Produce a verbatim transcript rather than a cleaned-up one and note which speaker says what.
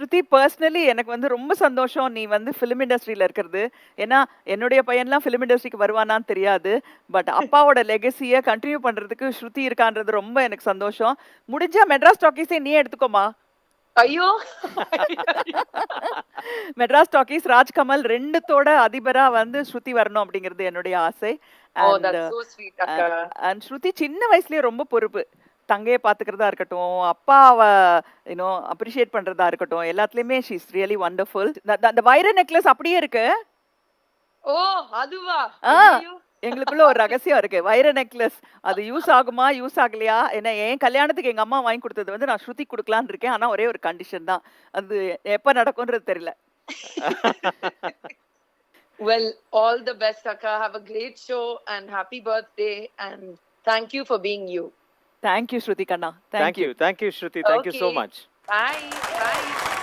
Speaker 1: ஸ்ருதி personally எனக்கு வந்து ரொம்ப சந்தோஷம் நீ வந்து ஃபிலிம் இண்டஸ்ட்ரியில இருக்கிறது. ஏன்னா, என்னுடைய பையன்லாம் ஃபிலிம் இண்டஸ்ட்ரிக்கு வருவானான்னு தெரியாது. பட் அப்பாவோட லெகசிய கன்டின்யூ பண்றதுக்கு ஸ்ருதி இருக்கான்றது ரொம்ப எனக்கு சந்தோஷம். முடிஞ்சா மெட்ராஸ் டாக்கீஸே நீயே எடுத்துக்கோமா.
Speaker 2: ஐயோ!
Speaker 1: மெட்ராஸ் டாக்கீஸ், ராஜ்கமல் ரெண்டுத்தோட அதிபரா வந்து ஸ்ருதி வரணும் அப்படிங்கிறது என்னுடைய ஆசை.
Speaker 2: ஓ,
Speaker 1: அண்ட்
Speaker 2: தட்ஸ் சோ ஸ்வீட் அக்கா.
Speaker 1: அண்ட் ஸ்ருதி சின்ன வயசுலயே ரொம்ப பொறுப்பு. தங்கைய பாத்துக்கிறதா இருக்கட்டும், அப்பாவ யூ நோ அப்ரிஷியேட் பண்றதா இருக்கட்டும், எல்லாத்துலயுமே ஷி இஸ் ரியலி வண்டர்ஃபுல். அந்த வைர நெக்லஸ் அப்படியே இருக்கு.
Speaker 2: ஓ, அதுவா?
Speaker 1: ஆ,
Speaker 2: ஐயோ!
Speaker 1: எங்களுக்குள்ள ஒரு ரகசியம் இருக்கு. வைர நெக்லஸ் அது யூஸ் ஆகுமா, யூஸ் ஆகலையா? ஏன்னா என் கல்யாணத்துக்கு எங்க அம்மா வாங்கி கொடுத்தது வந்து நான் ஸ்ருதி குடுக்கலாம்னு இருக்கேன். ஆனா ஒரே ஒரு கண்டிஷன் தான். அது எப்ப நடக்கும்ன்றது தெரியல.
Speaker 2: Well, all the best, Akka. Have a great show and happy birthday. And thank you for being you.
Speaker 1: Thank you, Shruti Kanna. Thank,
Speaker 3: Thank
Speaker 1: you.
Speaker 3: you. Thank you, Shruti. Thank you so
Speaker 2: Okay.
Speaker 3: much.
Speaker 2: Bye. Bye.